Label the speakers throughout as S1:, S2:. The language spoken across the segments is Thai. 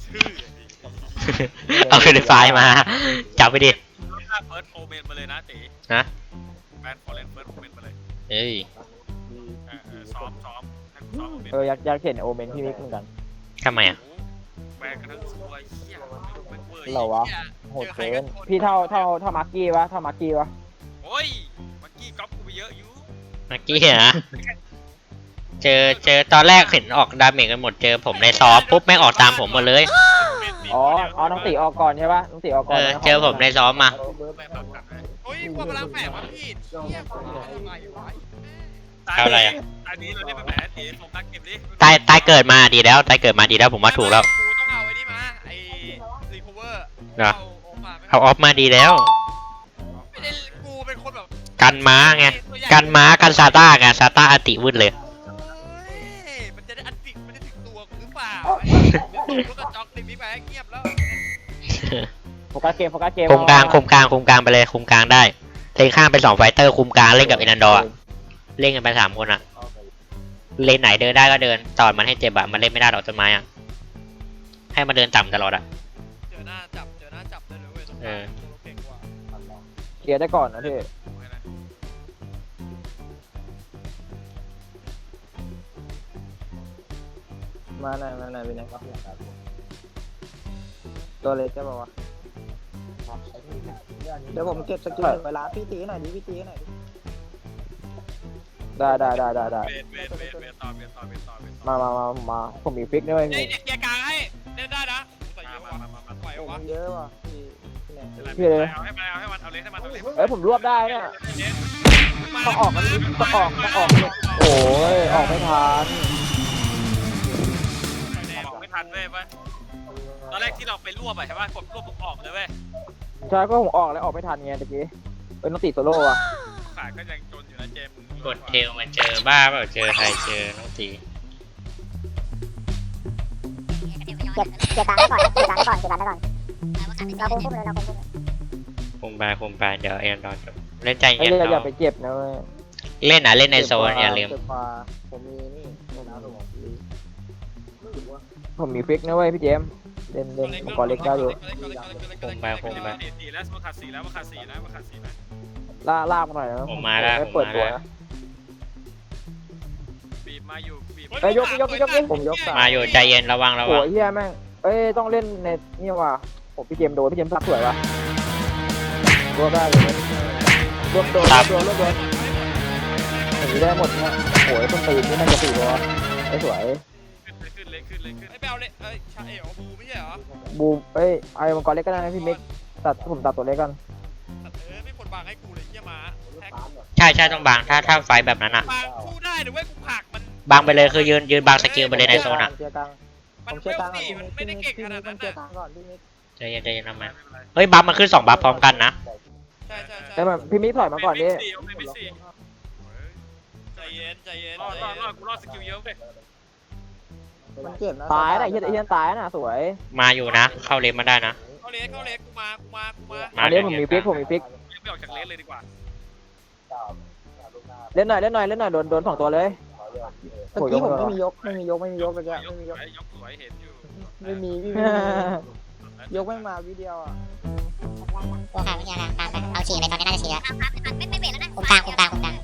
S1: ชื่อ
S2: เอาเป็นไฟล์มาจับไปดิ
S1: ถ้าเฟิร์สโอเมนมาเลยนะตี
S2: นะ
S1: แบนฟอร์เรนเฟิร์สโอเมนมาเลย
S2: เอ้ย
S1: ซ้อมให้กูซ้อมโอเมน
S3: อยากเห็นโอเมนพี่มิกเหมือนกัน
S2: ทำไมอ่ะ
S1: แบนกันทั้งตัวเหี้ยไม่เวอร์
S3: เหรอวะโหดเกินพี่เท่ามาร์กี้วะเท่ามาร์กี้วะ
S1: โอ้ยเมื่อกี้ก๊อปกูไปเยอะอยู่
S2: เมื่อกี้นะเจอตอนแรกเห็นออกดาเมจกันหมดเจอผมในซ้อมปุ๊บแม่งออกตามผมหมดเลย
S3: อ๋อเอาน้องตีออกก่อนใช่ปะน้องตีออกก่อน
S2: เจอผมในซ้อมมา
S1: ไม่บังกันเลย
S4: โอ้ยกลัวพลังแฝงวะพี่เฮียผมทำไมวะ
S2: เอาอะไรอ่ะ
S1: อันนี้เราได้ไปแหมตีโฟกัสเก็บดิ
S2: ตายเกิดมาดีแล้วตายเกิดมาดีแล้วผมว่าถูกแล้ว
S4: กูต้องเอาไอ้นี่มาไอ้รีคูเวอร์
S2: เหรอ
S4: เอามา
S2: เอาออฟมาดีแล้ว
S4: ไม่ได้กูเป็นคนแบบ
S2: กันม้าไงกันม้ากันซาต้าไงซาต้าอติวืดเลย
S4: มันจะได้อันติมันจะถึงตัวกูหรือเปล่ากูก็จ็อกติดพี่ไปเงียบแล้ว
S3: โฟกัสเกม
S2: คุมกลางไปเลยคุมกลางได้เลนข้างเป็น2ไฟเตอร์คุมกลางเล่นกับเอนันดอร์เล่นกันไป3คนอะเลนไหนเดินได้ก็เดินตอดมันให้เจ็บอะมันเล่นไม่ได้หรอกต้นไม้อะให้มันเดินต่ำตลอดอะ
S4: เจอหน้าจับได้เลยเว้ยต้องเก่งกว่า
S3: เคลียร์ได้ก่อนนะพี่มาหน่อยพี่นายตัวเล็กจะบอกว่าเดี๋ยวผมเก็บสกิลเวลาพี่ตีหน่อยดิพี่ตีหน่อยได้
S1: เวทต่อ
S3: มาผมมีฟิกด้วย
S4: เด็กเกียร์กลางให้เล่นได้นะใส่เยอะ
S1: มา
S4: ว่ะไหว
S3: ผม
S4: วะ
S3: เยอะว่ะ
S1: พี่เลยเอาให้มันเอาเลยให้มันเอาเลย
S3: เอ้ยผมรวบได้เนี่ยต้องออกโอ้ยออกไม่ทัน
S1: บอกไม่ทันเว้ยปะตอนแรกที่เราไปรวบอะใช่ป่ะกดรวบปุ๊บออกเลยเว้ย
S3: ใช่ก็ผมออกแล้วออกไม่ทันไงตะกี้เป็นต้องติดโซโล่อะ
S1: ขาดก็ยังจนอยู่นะเจม
S2: กดเทลมาเจอบ้าเปล่าเจอใครเจอน้องตี
S5: เก็บตังค์ไว้ก่อนเราคุมพุ่มเลย
S2: คุมไปเดี๋ยวเอนันดอร์จบเล่นใจ
S3: ไอ้
S2: เย็น
S3: เรื่องอย่า
S2: เรา
S3: ไปเจ็บนะเว้ย
S2: เล่นเล่นในโซนอย่าลืม
S3: ผมมีนี่ผมมีฟิกนะเว้ยพี่เจมเล่นผมก่อนเล็กได้อยู่
S1: สีแล้วมาขาดสีแล้วมาขาดสีนะมาขาดสีนะ
S3: ลากมาหน่อยนะ
S2: ผมมาแล้ว
S3: ไม่เปิดตัวนะ
S1: บีบมาอยู่บีบ
S3: เอ้ยยกผมยก
S2: มาอยู่ใจเย็นระวัง
S3: โอ้ยเฮียแม่งเอ้ยต้องเล่นในนี่ว่ะผมพี่เจมโดนพี่เจมซักสวยว่ะรวบได้เลยรวบโดนผมได้หมดเนี่ยโอ้ยต้นตีนนี่น่าจะ4ตัวไอ้สวย
S1: ขึ้นเลยขึ้น
S4: ไอ้เบลเลยชาเอ๋อบูไม่ใช่เหรอ
S3: บูมเอ้ยไอ้มังกรเล็กก็ได้นะพี่มิกผมตัดตัวเล็กกัน
S4: ไม่คนบางให้กูเลยเยี่ยมาแท็ก
S2: ใช่ต้องบางถ้าไฟแบบนั้นอะ
S4: บางสู้ได้หรือว่ากูผักมัน
S2: บางไปเลยคือยืนบางสกิลไปเลยในโซนอะ
S4: มันเวลสี่มันไม่ได้เก่งขนาดนั้นนะ
S2: ใจเย็นทำไมเฮ้ยบัฟมันขึ้น2บัฟพร้อมกันนะ
S4: ใช่
S3: แต่แบบพี่มิกถอยมาก่อนดิ
S4: ใจเย็น
S1: รอดกูรอดสกิลเยอะเลย
S3: ตายนะเฮียตายนะสวย
S2: มาอยู่นะ เข้าเลนมาได้นะ
S4: เขาเล็กกูมา
S3: อันนี้ผมมีฟิก
S1: ไม่ออกจากเลสเลยดีกว่า
S3: เล่นหน่อยโดน2ตัวเลย
S6: เมื่อกี้ผมไม่มียกเลยแก
S1: ยกสวยเห็นอยู่
S6: ไม่มียกไม่มาวิดีโออ่ะ
S5: ตัวกลางตามไปเอาฉี่ไปตอนนี้น่าจะฉี่แล้วคุมกลางมองแบบกลาง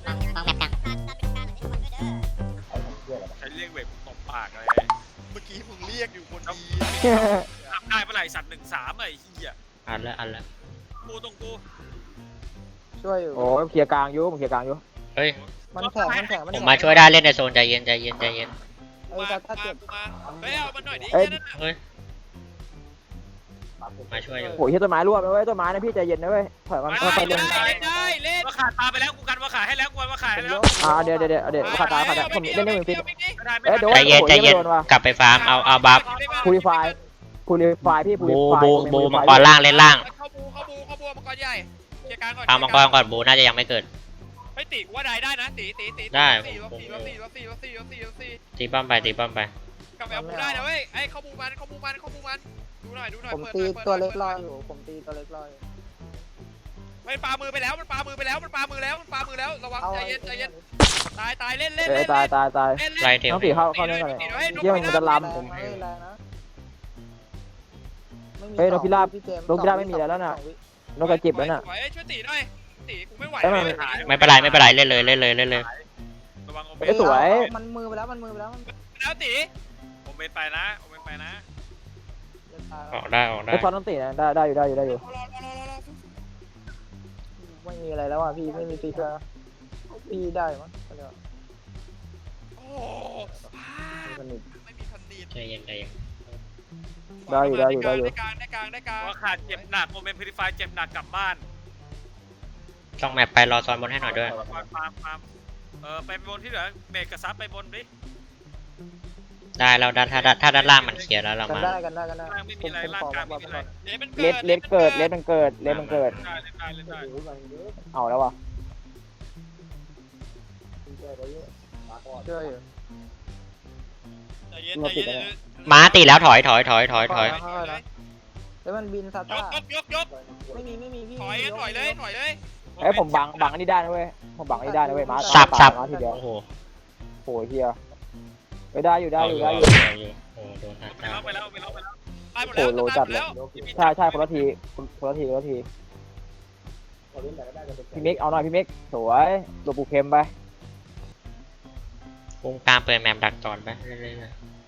S1: ใช้เรียกเวทตบปากเลย
S4: เมื่อกี้มึงเรียกอยู่คนดี
S1: ทำได้เมื่อไหร่สัตว์1-3ไอ้เหี้ย
S2: อันละ
S1: กูตรงกู
S6: ช่วยอยู่
S3: โอ้ยเคลียร์กลางอยู่
S2: เฮ้ย
S6: มันแข็ง
S2: ผมมาช่วยได้เล่นในโซนใจเย็น
S6: ถ้าเจ็บ
S4: มาเฮ้ยเอามันหน่อยดิ
S2: เฮ้ยมาช่วยอยู่
S3: โอ้ยต้นไม้รวบนะเว้ยต้นไม้นะพี่ใจเย็นนะเว้ยถอยมันค่อยๆเล่น
S4: ได้เล่น
S1: ว่าขาดตาไปแล้วกูกันว่าขาดให้แล้วกูว่าขาดให้แล้ว
S3: เดี๋ยวขาดผมเล่นได้เหมือนฟิก
S2: ใจเย็นกลับไปฟาร์มเอาบัฟ
S3: พูลิฟายพี่พูลิฟาย
S2: บูมังกรล่างเล่นล่าง
S4: เข้าบูมังกรใหญ่เกียร์กลางก่อน
S2: ฟาร์มมังกรก่อนบูน่าจะยังไม่เกิด
S4: ไม่ตีว่าได้นะตี
S2: ได้
S4: รถสี่
S2: ตีป้อมไป
S4: กลับไปเอาบูได้นะเว้ยไอ้เข้าบูมันดูหน่อย
S6: ผมตีตัวเล็กรออยู่
S4: มันปามือไปแล้วระวังใจเย็นตายเล่น
S2: ไล่เทล
S3: ต้องตีเข้าเล่นกันเลยเยี่ยมมันจะล้ำ
S6: ไม่แรงนะไม่มี
S3: เฮ้ยนกพิราบ
S6: พี่เจมส์
S3: นกพิราบไม่มีแล้วน่ะ นกกระจิบแล้วน่ะ
S4: สวยช่วยตีหน่อยตีกูไม่ไหว
S3: เอ้ยมัน
S4: เลย
S2: ไม่เป็นไรไม่เป็นไรเล่นเลยเล่นเลยเล่นเลย
S1: ระวังโอเม
S3: เอ้
S1: น
S3: ยสวย
S6: มันมือไปแล้วมันมือไปแล้วมัน
S4: แล้วตี
S1: โอเมนไปนะโอเมนไปนะ
S6: จะตาย
S2: ออกได้ออกได้
S3: ไอ้ฟอนต้องตีนะได้อยู่
S4: รอ
S6: ไม่มีอะไรแล้วอ่ะพี่ไม่มีฟิกแล้วพี่ได้มั้งเดี๋ยว
S4: โอ้
S6: สนิท
S4: ไม่มีพันดีด
S2: ใจเย็นใจเย็น
S3: ได้อยู่
S4: ได้กลางได้กลาง
S1: ว่าขาดเจ็บหนักโอเมนพิริฟายเจ็บหนักกลับบ้าน
S2: ต้องแมปไปรอซอนบนให้หน่อยด้วย
S1: ฟาร์มไปบนที่เหลือเมกกับซับไปบนดิ
S2: ได้เราด้านถ้าด้านล่างมันเคลียร์แล้วเรา
S6: กัน
S2: มา
S6: ได้กันได้กันได้
S1: ล่างไม่มีอะไรล่างกลางไม่มีอะไร
S3: เลดเกิด
S1: ได้
S3: เอาแล้ววะ
S6: เชื่ออยู่
S4: ใจเย็น
S2: ม้าตีแล้วถอย
S6: แล้วมันบินซาย ต้าก ไม่มีพี่
S4: ถอยเลย
S3: เอ้ยผมบังอันนี้ได้นะเว้ยผมบังอันนี้ได้นะเว้ยมา
S2: สับ
S3: มาทีเดียว
S2: โอ้โห
S3: โอ้ยเฮียไปได้อยู่
S2: เอาอยู่
S3: ได้
S2: เอา
S3: อ
S2: อยู่ ยู่โอ้โหโดนทัด
S1: ไปแล้ว
S4: ไปหมด
S3: โอ้โหโลจัดเลย
S4: แล้ว
S3: ใช่คนละทีพี่มิกเอาหน่อยพี่มิกสวยหลบปูเค็มไป
S2: วงกลางเปิดแมปดักจอนไปเรื่อย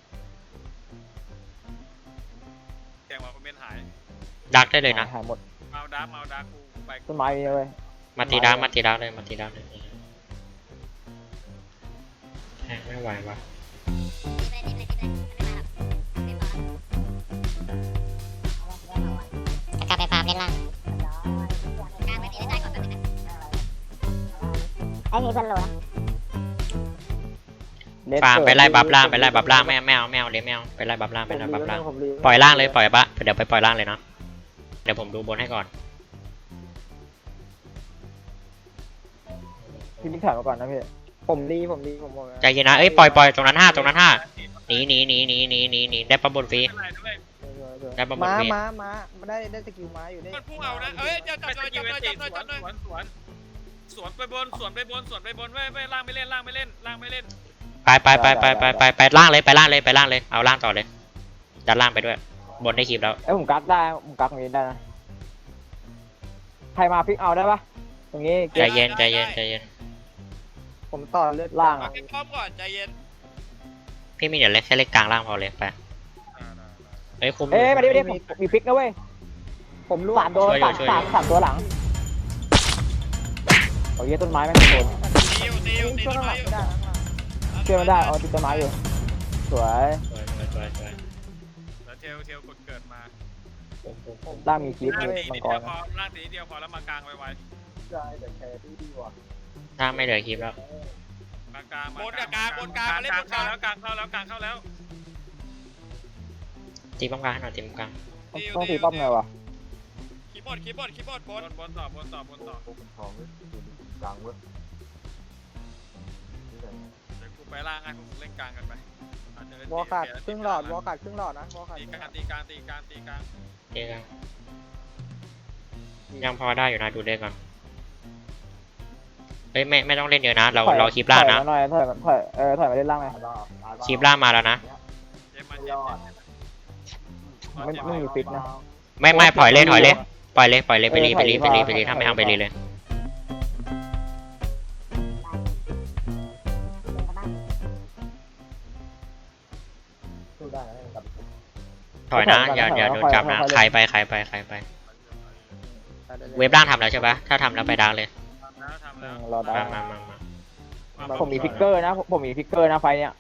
S1: แกงว่าโอเมนหาย
S2: ๆดักได้เลยนะ
S3: หายหมด
S1: เอาดาร์กูไป
S3: ต้นไม้มีเว้ย
S2: มาตีดักเลยแทงไม่ไหววะ
S5: กลับไปฟาร์มเล่นล่างกลางไปตีได้ก่อนแป๊บนึงนะไอ้นี่เพื่อนโลนะ
S2: ฟาร์มไปไล่บัฟล่างไม่เอาเลยไม่เอาไปไล่บัฟล่างปล่อยล่างเลยปล่อยปะเดี๋ยวไปปล่อยล่างเลยเนาะเดี๋ยวผมดูบนให้ก่อน
S3: พี่มิกถอยมาก่อนนะพี่
S6: ผมดีผมบอก
S2: ใจเย็นนะเอ้ยปล่อยตรงนั้นห้าหนีได้ปั๊บบนฟรีได้ปั๊บบนฟรี
S6: ม้าได้สกิลม้าอยู่ได้
S4: มันพุ่งเอานะเอ้ยจับหน่อย
S1: สวนไปบนเว้ยล่างไม่เล่น
S2: ไปล่างเลยเอาล่างต่อเลยดันล่างไปด้วยบนได้คลิปแล้ว
S3: เอ้ยผมกักตรงนี้ได้นะใครมาพลิกเอาได้ปะตรงนี้
S2: ใจเย็น
S6: ผมต่อเลือด
S3: ล่าง
S4: เอาแค่พร้อมก่อนใจเย็น
S2: พี่มีเดี๋ยวเล็กแค่เล็กกลางล่างพอเลยไปเฮ้ยคุม
S3: เอ้ยมาดิผมมีพลิกนะเว้ย
S6: ผมรู้
S3: สามตัวสามตัวหลังโอ้ยต้นไม้แม่งโดน
S4: ตี
S6: ช่วย
S4: ต้น
S6: ห
S4: ไม้
S6: ลัง
S4: อยู่
S6: ได้
S3: เชื่อไม่ได้ติดต้นไม้อยู่สวย
S1: แล้วเทลกดเกิดมา
S3: ล่างมีคลิป
S1: ล่าง
S3: เลย
S1: ตี
S3: มั
S1: นิ
S3: ง
S1: ด
S3: ก
S1: เดี
S3: ร
S1: ยวพอล่างตีนิดเดียวพอแล้วมากลางไว
S2: ล่างไม่เหลือคลิปแล้ว
S1: ๆมากลาง
S4: บนกับกลางมาเล่นบนกลาง
S1: กลางเข้าแล้ว
S2: ตีป้อมกลางให้หน่อยตีป้อมกลาง
S3: ต้องตีป้อมไงวะ
S4: คีย์บอร์ดบบ น
S1: นต่อเดี๋ยวกูไปล่างให้พวกเล่นกลางกันไป
S6: วอลขาดครึ่งหลอดนะวอลขาด
S1: ตีกลาง
S2: เจ๊กันยังพอได้อยู่นะดูได้ก่อนเฮ้ยไม่ต้องเล่นเยอะนะเราคลิปล่างนะ
S3: ถอยมาเล่นล่างเลย
S2: คลิปล่างมาแล้วนะ
S3: ไม่มีฟิกนะ
S2: ไม่ปล่อยเลยไปรีถ้าไม่เอาไปรีเลยถอยนะอย่าโดนจับนะใครไปเว็บล่างทำแล้วใช่ปะถ้าทำแล้วไปดังเลย
S1: ทำแล้ว
S3: รอได้
S2: มา
S3: ผมมีฟิกเกอร์นะไฟเนี่ย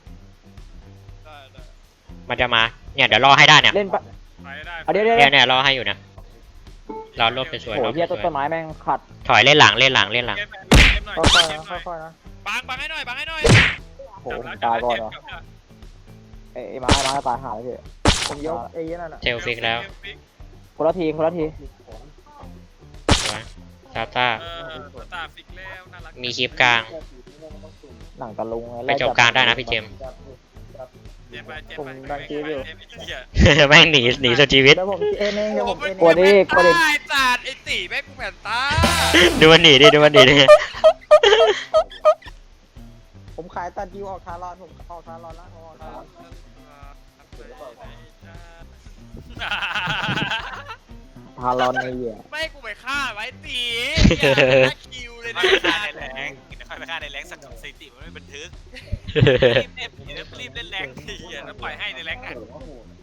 S2: มันจะมาเนี่ยเดี๋ยวรอให้ได้เนี่ย
S3: เล่นปะ
S1: ไปได้
S3: เอาเดี๋ยว
S2: เนี่ยรอให้อยู่เนี่ยรอรวบสวย
S3: โอ้เฮียต้นไม้แม่งขัด
S2: ถอยเล่นหลัง
S6: ค่อยๆนะ
S4: บังให้หน่อย
S3: โอ้ตายก่อนเหรอไอ้ม้าตายหาเลยพี่
S6: ผมยกเอนั่นน่ะ
S2: เทลฟิกแล้ว
S3: คนละที
S2: สวยซาต้า
S1: ตาฟิกแล้วน่ารัก
S2: มีคลิปกลาง
S3: หนังตะลุง
S2: ไปจบกลางได้นะพี่เจม แม่งหนีสุดชีวิต
S6: เดี๋ยวผมเอเองเดี๋ยวผมเอ
S3: กลัวดิ
S4: ไอ้จัดไอ้ตีแม่กูแผ่นตา
S2: ดูมันหนีดิ
S6: ผมขายตัดดิวออกทารอนผมออกทารอนแล้วออกทารอน
S1: เ
S3: ฮารอนในเหี้ย
S4: ไม่ให้กูไปฆ่าไว้ตีอย่าคิวเลย
S1: ไม่
S4: นะ
S1: ไปฆ่าในแรงค่อยไปฆ่าในแรงสักสถิติมันไม่บันทึกรีบเล่นแรงทีแล้วปล่อยให้ในแรงอ่ะ